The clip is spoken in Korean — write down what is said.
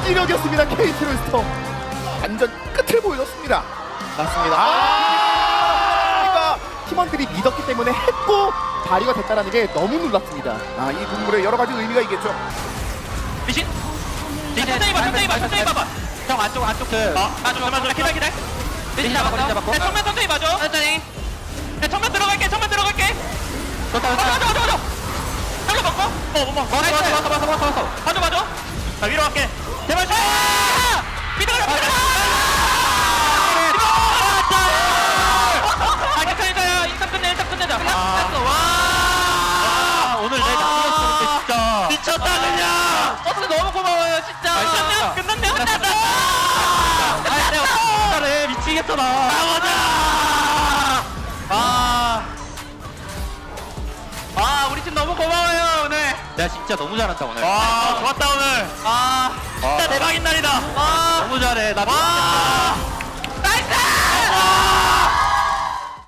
이력이었습니다. KT 롤스터 완전 끝을 보여줬습니다. 맞습니다. 팀원들이 믿었기 때문에 했고 발휘가 됐다는 게 너무 놀랐습니다. 이 동물의 여러 가지 의미가 있겠죠. 리신? 천천히 봐봐. 형 안쪽 잠깐만 기다려. 리신 잡았어. 정면 천천히 봐줘. 천천히. 정면 들어갈게. 좋다. 잡려 먹고. 맞아. 자 위로 갈게. 제발. 비들어. 일단 끝내자. 와. 오늘 내가 이겼었는데 진짜 미쳤다 그냥. 버스 너무 고마워요 진짜. 끝났네. 내가 잘해 미치겠잖아. 우리 팀 너무 고마워요 오늘. 내가 진짜 너무 잘한다 오늘. 좋았다 오늘. 진짜 대박인 날이다. 너무 잘해. 나